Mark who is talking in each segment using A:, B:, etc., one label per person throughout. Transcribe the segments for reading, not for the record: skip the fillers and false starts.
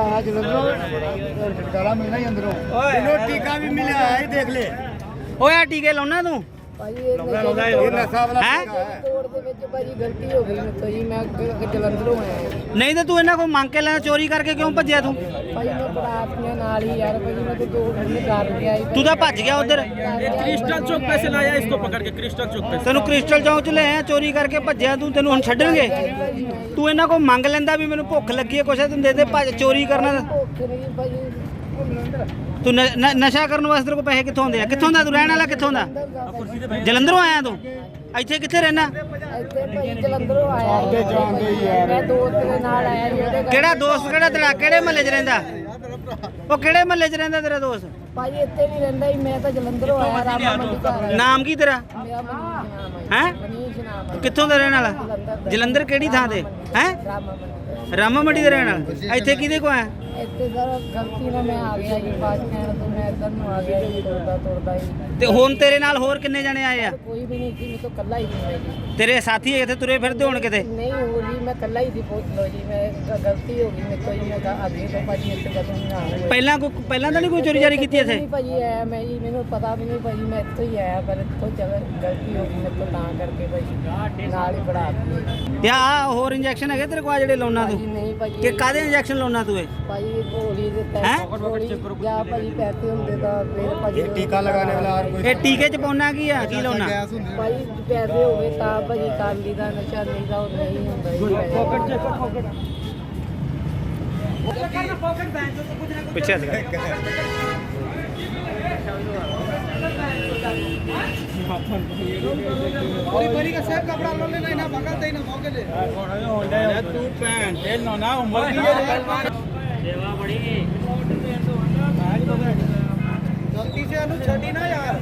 A: आया जलंधरों छुटकारा मिलना ही अंदरों टीका भी मिला है देख ले
B: ओए टीके लाਉਣਾ ਤੂੰ
A: भाई ये नशा वाला
B: हैं?
A: तोड़ दे विच भाई गलती हो गई मेरे तो जी मैं जलंधरों आया
B: ਨਹੀਂ ਤੇ ਤੂੰ ਇਹਨਾਂ ਕੋਲ ਮੰਗ ਕੇ ਲੈਣਾ ਚੋਰੀ ਕਰਕੇ ਕਿਉਂ ਭੱਜਿਆ ਤੂੰ
A: भाई मैं बरात में नाल ही यार भाई मैं तो दो घंटे घर गया ही
B: ਤੂੰ ਤਾਂ ਭੱਜ ਗਿਆ ਉਧਰ
C: क्रिस्टल चौक पे से लाया इसको पकड़ के क्रिस्टल चौक पे
B: ਤੈਨੂੰ ਕ੍ਰਿਸਟਲ ਚੌਂਕ ਚ ਲੈ ਆਇਆ ਚੋਰੀ ਕਰਕੇ ਭੱਜਿਆ ਤੂੰ ਤੈਨੂੰ ਹੁਣ ਛੱਡਣਗੇ ਤੂੰ ਇਹਨਾਂ ਕੋਲ ਮੰਗ ਲੈਂਦਾ ਵੀ ਮੈਨੂੰ ਭੁੱਖ ਲੱਗੀ ਹੈ ਕੁਛ ਤੈਨੂੰ ਦੇ ਦੇ ਭੱਜ ਚੋਰੀ ਕਰਨਾ
A: भुख नहीं भाई
B: ਤੂੰ ਨਸ਼ਾ ਕਰਨ ਵਾਸਤੇ ਤੇਰੇ ਕੋਲ ਪੈਸੇ ਕਿੱਥੋਂ ਆਉਂਦੇ ਆ ਕਿੱਥੋਂ ਦਾ ਤੂੰ ਰਹਿਣ ਵਾਲਾ ਕਿੱਥੋਂ ਦਾ ਜਲੰਧਰੋਂ ਆਇਆ ਤੂੰ ਇੱਥੇ ਕਿੱਥੇ ਰਹਿਣਾ
A: ਇੱਥੇ ਭਾਈ ਜਲੰਧਰੋਂ ਆਇਆ ਮੈਂ ਦੋਸਤ ਦੇ ਨਾਲ ਆਇਆ ਜੀ ਉਹਦੇ
B: ਕਿਹੜਾ ਦੋਸਤ ਕਿਹੜਾ ਤੇਰਾ ਕਿਹੜੇ ਮਹੱਲੇ 'ਚ ਰਹਿੰਦਾ ਉਹ ਕਿਹੜੇ ਮਹੱਲੇ 'ਚ ਰਹਿੰਦਾ ਤੇਰਾ ਦੋਸਤ
A: ਭਾਈ ਇੱਥੇ ਨਹੀਂ ਰਹਿੰਦਾ ਹੀ ਮੈਂ ਤਾਂ ਜਲੰਧਰੋਂ ਆਇਆ ਰਾਮਾ ਮੰਡੀ ਘਰ
B: ਨਾਮ ਕੀ ਤੇਰਾ
A: ਮੇਰਾ ਮਨੀਸ਼ ਨਾਮ
B: ਹੈ
A: ਮਨੀਸ਼ ਨਾਮ ਹੈ
B: ਕਿੱਥੋਂ ਦਾ ਰਹਿਣ ਵਾਲਾ ਜਲੰਧਰ ਕਿਹੜੀ ਥਾਂ ਤੇ ਹੈ
A: ਰਾਮਾ ਮੰਡੀ
B: ਰਾਮਾ ਮੰਡੀ ਦਾ ਰਹਿਣ ਵਾਲਾ ਇੱਥੇ ਕਿਹਦੇ ਕੋ ਆਇਆ
A: ਇੱਥੇ ਸਰ ਗਲਤੀ ਨਾਲ ਮੈਂ ਆ ਗਿਆ ਜੀ ਬਾਅਦ ਕਹਿਣ ਤੋਂ ਮੈਂ ਇੱਧਰ ਨੂੰ ਆ ਗਿਆ ਜੀ ਤੁਰਦਾ ਹੀ
B: ਤੇ ਹੁਣ ਤੇਰੇ ਨਾਲ ਹੋਰ ਕਿੰਨੇ ਜਣੇ ਆਏ ਆ
A: ਕੋਈ ਵੀ ਨਹੀਂ ਸੀ ਮੈਂ ਤਾਂ ਇਕੱਲਾ ਹੀ ਸੀ ਜੀ
B: ਤੇਰੇ ਸਾਥੀ ਇੱਥੇ ਤੁਰੇ ਫਿਰਦੇ ਹੋਣ ਕਿਤੇ
A: ਨਹੀਂ ਹੋ ਜੀ ਮੈਂ ਇਕੱਲਾ ਹੀ ਸੀ ਪੁੱਛ ਲਓ ਜੀ ਮੈਂ ਗਲਤੀ ਹੋ ਗਈ ਮੇਰੇ ਤੋਂ ਜੀ ਮੈਂ ਅੱਗੇ ਤੋਂ ਭਾਜੀ ਇੱਥੇ ਕਦੋਂ ਨਾ ਆਇਆ
B: ਪਹਿਲਾਂ ਤਾਂ ਨਹੀਂ ਕੋਈ ਚੋਰੀ ਜਾਰੀ ਕੀਤੀ ਇੱਥੇ
A: ਨਹੀਂ ਭਾਜੀ ਆਇਆ ਮੈਂ ਜੀ ਮੈਨੂੰ ਪਤਾ ਵੀ ਨਹੀਂ ਭਾਜੀ ਮੈਂ ਇੱਥੋਂ ਹੀ ਆਇਆ ਪਰ ਇੱਥੋਂ ਗਲਤੀ ਹੋ ਗਈ ਮੇਰੇ ਤੋਂ ਤਾਂ ਕਰਕੇ ਭਾਜੀ ਨਾਲ ਹੀ ਬੜਾ ਦਿੱਤੀ
B: ਤੇ ਆ ਹੋਰ ਇੰਜੈਕਸ਼ਨ ਹੈਗੇ ਤੇਰੇ ਕੋਲ ਜਿਹੜੇ ਲਾਉਣਾ
A: ਭਾਜੀ
B: ਤੂੰ
A: ਨਹੀਂ ਭਾਜੀ
B: ਕਿ ਕਾਦੇ ਇੰਜੈਕਸ਼ਨ ਲਾਉਣਾ ਤੂੰ ਇਹ
A: ਭਾਜੀ ਗੋਲੀ ਦੇ
B: ਹੈਂ?
A: ਪੈਸੇ ਜਾਂ ਭਾਜੀ ਪੈਸੇ ਹੁੰਦੇ ਤਾਂ ਫਿਰ ਭਾਜੀ
D: टीका लगाने वाला और कोई
B: ਇਹ ਟੀਕੇ ਚ ਪਾਉਣਾ ਕੀ ਆ ਕੀ ਲਾਉਣਾ
A: ਭਾਜੀ ਪੈਸੇ ਹੋਵੇ ਤਾਂ ਭਾਜੀ ਕਾਲੀ ਦਾ ਨਸ਼ਾ ਨਹੀਂ ਤਾਂ ਉਹ ਨਹੀਂ ਹੁੰਦਾ ਜੀ
B: ਪਿੱਛੇ ਸੀਗਾ
C: तू पैन तेल ना उम्र की
D: गलती से अनु छड़ी ना यार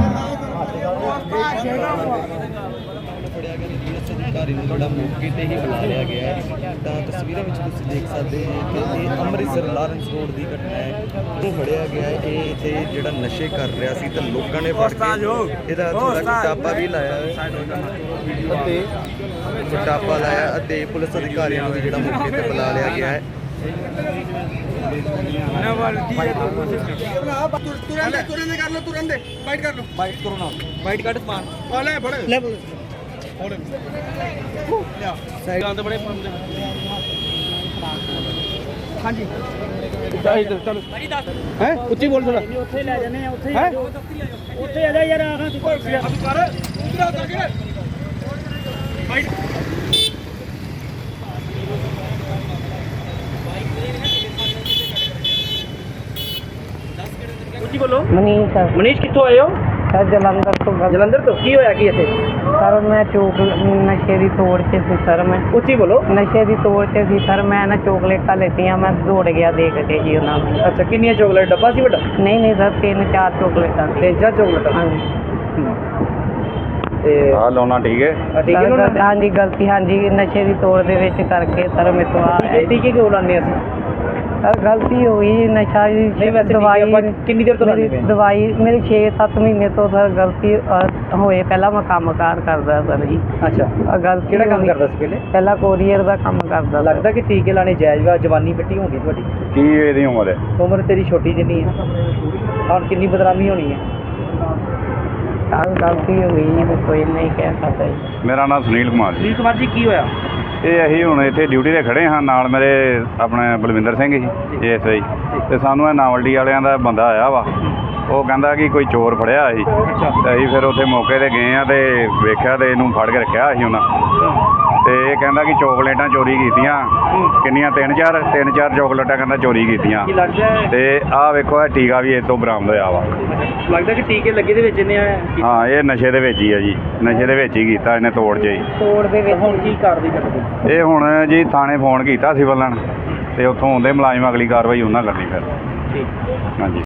E: ਫੜਿਆ ਗਿਆ ਡੀਐਸ ਅਧਿਕਾਰੀ ਨੂੰ ਜਿਹੜਾ ਮੌਕੇ ਤੇ ਹੀ ਬੁਲਾ ਲਿਆ ਗਿਆ ਹੈ ਤਾਂ ਤਸਵੀਰਾਂ ਵਿੱਚ ਤੁਸੀਂ ਦੇਖ ਸਕਦੇ ਹੋ ਕਿ ਇਹ ਅੰਮ੍ਰਿਤਸਰ ਲਾਰੈਂਸ ਰੋਡ ਦੀ ਘਟਨਾ ਹੈ ਉਹ ਫੜਿਆ ਗਿਆ ਹੈ ਇਹ ਇੱਥੇ ਜਿਹੜਾ ਨਸ਼ੇ ਕਰ ਰਿਹਾ ਸੀ ਤਾਂ ਲੋਕਾਂ ਨੇ ਫੜ ਕੇ ਇਹਦਾ ਥੋੜਾ ਕੁਟਾਪਾ ਵੀ ਲਾਇਆ ਹੈ ਅਤੇ ਕੁਟਾਪਾ ਲਾਇਆ ਅਤੇ ਪੁਲਿਸ ਅਧਿਕਾਰੀਆਂ ਨੂੰ ਵੀ ਜਿਹੜਾ ਮੌਕੇ ਤੇ ਬੁਲਾ ਲਿਆ ਗਿਆ ਹੈ
D: तुरंत कर लो तुरंत बाइट कर लो बाइट करो ना
C: वाइट कार्ड मार
D: ले फड़
B: ਲੈ
C: साइड आंदे बड़े
D: हाँ जी
C: चलो
D: है उच्ची बोल थोड़ा
B: ਉੱਥੇ ਲੈ ਜਾਂਦੇ ਆ ਉੱਥੇ
D: है
B: ਉੱਥੇ ਆ ਜਾ ਯਾਰ ਆਹਾਂ ਤੂੰ
D: कर उधर उतर के
B: ਉੱਚੀ ਬੋਲੋ
A: ਮਨੀਸ਼ ਸਰ
B: ਮਨੀਸ਼ ਕਿੱਥੋਂ ਆਏ ਹੋ
A: ਸਰ ਜਲੰਧਰ ਤੋਂ
B: ਜਲੰਧਰ ਤੋਂ ਕੀ ਹੋਇਆ ਕੀ ਇੱਥੇ
A: ਸਰ ਮੈਂ ਚੋਕ ਨਸ਼ੇ ਦੀ ਤੋੜ 'ਚ ਸੀ ਸਰ ਮੈਂ
B: ਉੱਚੀ ਬੋਲੋ
A: ਨਸ਼ੇ ਦੀ ਤੋੜ 'ਚ ਸੀ ਸਰ ਮੈਂ ਨਾ ਚੋਕਲੇਟਾਂ ਲੈਤੀਆਂ ਮੈਂ ਦੌੜ ਗਿਆ ਦੇਖ ਕੇ ਜੀ ਉਹਨਾਂ ਨੂੰ
B: ਅੱਛਾ ਕਿੰਨੀਆਂ ਚੋਕਲੇਟ ਡੱਬਾ ਸੀ ਵੱਡਾ
A: ਨਹੀਂ ਨਹੀਂ ਸਰ 3-4 ਚੋਕਲੇਟਾਂ
B: ਤੇ ਜਾਂ ਚੋਕਲੇਟ
A: ਹਾਂਜੀ
B: ਤੇ
D: हाँ लोना ठीक है
B: ਠੀਕ ਹੈ
A: ਸਰ,
B: ਨਾ
A: ਹਾਂਜੀ ਗਲਤੀ ਹਾਂਜੀ ਨਸ਼ੇ ਦੀ ਤੋੜ ਦੇ ਵਿੱਚ ਕਰਕੇ ਸਰ ਮੇਰੇ ਤੋਂ ਆ
B: ਟੀਕੇ ਕਿਉਂ ਲਾਉਂਦੇ ਅਸੀਂ
A: ਸਰ ਗਲਤੀ ਹੋ ਗਈ ਨਸ਼ਾ ਦੀ
B: ਨਹੀਂ ਵੈਸੇ ਦਵਾਈ ਆਪਾਂ ਕਿੰਨੀ ਦੇਰ ਤੋਂ ਲਾਉਂਦੇ ਪਏ
A: ਦਵਾਈ ਮੇਰੀ 6-7 ਮਹੀਨੇ ਤੋਂ ਸਰ ਗਲਤੀ ਹੋਏ ਪਹਿਲਾਂ ਮੈਂ ਕੰਮਕਾਰ ਕਰਦਾ ਸਰ ਜੀ
B: ਅੱਛਾ
A: ਗਲਤੀ
B: ਕਿਹੜਾ ਕੰਮ
A: ਹੋਈ।
B: ਕਰਦਾ ਸੀ ਪਹਿਲੇ
A: ਪਹਿਲਾਂ ਕੋਰੀਅਰ ਦਾ ਕੰਮ ਕਰਦਾ ਸੀ।
B: ਲੱਗਦਾ ਕਿ ਟੀਕੇ ਲਾਣੇ ਜਾਇਜ਼ ਵਾ ਜਵਾਨੀ ਮਿੱਟੀ ਹੋਣੀ ਤੁਹਾਡੀ
D: की ਇਹਦੀ ਉਮਰ ਹੈ
B: ਉਮਰ ਤੇਰੀ ਛੋਟੀ ਜਿੰਨੀ ਹੈ ਹੁਣ ਕਿੰਨੀ ਬਦਨਾਮੀ ਹੋਣੀ ਹੈ
A: ਸਰ ਗਲਤੀ ਹੋ ਗਈ ਜੀ ਮੈਂ ਕੋਈ ਨਹੀਂ ਕਹਿ ਸਕਦਾ ਜੀ
D: ਮੇਰਾ ਨਾਮ ਸੁਨੀਲ ਕੁਮਾਰ ਜੀ
B: ਸੁਨੀਲ ਕੁਮਾਰ ਜੀ ਕੀ ਹੋਇਆ
D: ਇਹ ਅਸੀਂ ਹੁਣ ਇੱਥੇ ਡਿਊਟੀ ਤੇ ਖੜੇ ਹਾਂ ਨਾਲ ਮੇਰੇ ਆਪਣੇ ਬਲਵਿੰਦਰ ਸਿੰਘ ਜੀ ਐਸਆਈ ਤੇ ਸਾਨੂੰ ਇਹ ਨਾਵਲਡੀ ਵਾਲਿਆਂ ਦਾ ਬੰਦਾ ਆਇਆ ਵਾ ਉਹ ਕਹਿੰਦਾ ਕਿ ਕੋਈ ਚੋਰ ਫੜਿਆ ਸੀ ਤੇ ਅਸੀਂ ਫਿਰ ਉੱਥੇ ਮੌਕੇ ਤੇ ਗਏ ਆ ਤੇ ਵੇਖਿਆ ਤੇ ਇਹਨੂੰ ਫੜ ਕੇ ਰੱਖਿਆ ਸੀ ਉਹਨਾਂ ਤੇ ਇਹ ਕਹਿੰਦਾ ਕਿ ਚੋਕਲੇਟਾਂ ਚੋਰੀ ਕੀਤੀਆਂ ਕਿੰਨੀਆਂ 3-4 ਚੋਕਲੇਟਾਂ ਕਹਿੰਦਾ ਚੋਰੀ ਕੀਤੀਆਂ
B: ਕੀ ਲੱਗਦਾ ਹੈ
D: ਤੇ ਆਹ ਵੇਖੋ ਇਹ ਟੀਕਾ ਵੀ ਇਹ ਤੋਂ ਬਰਾਮਦ ਹੋਇਆ ਵਾ
B: ਲੱਗਦਾ ਕਿ ਟੀਕੇ ਲੱਗੇ ਦੇ ਵਿੱਚ ਇਹਨੇ
D: ਹਾਂ ਇਹ ਨਸ਼ੇ ਦੇ ਵਿੱਚ ਹੀ ਆ ਜੀ ਨਸ਼ੇ ਦੇ ਵਿੱਚ ਹੀ ਕੀਤਾ ਇਹਨੇ ਤੋੜ 'ਚ ਹੀ
A: ਤੋੜ ਦੇ ਵਿੱਚ
B: ਹੁਣ ਕੀ ਕਾਰਵਾਈ ਕਰਦੇ
D: ਇਹ ਹੁਣ ਜੀ ਥਾਣੇ ਫੋਨ ਕੀਤਾ ਸੀ ਬੱਲਣ ਤੇ ਉੱਥੋਂ ਆਉਂਦੇ ਮੁਲਾਜ਼ਮ ਅਗਲੀ ਕਾਰਵਾਈ ਉਹਨਾਂ ਕਰਨੀ ਫਿਰ
B: ਠੀਕ
D: ਹਾਂਜੀ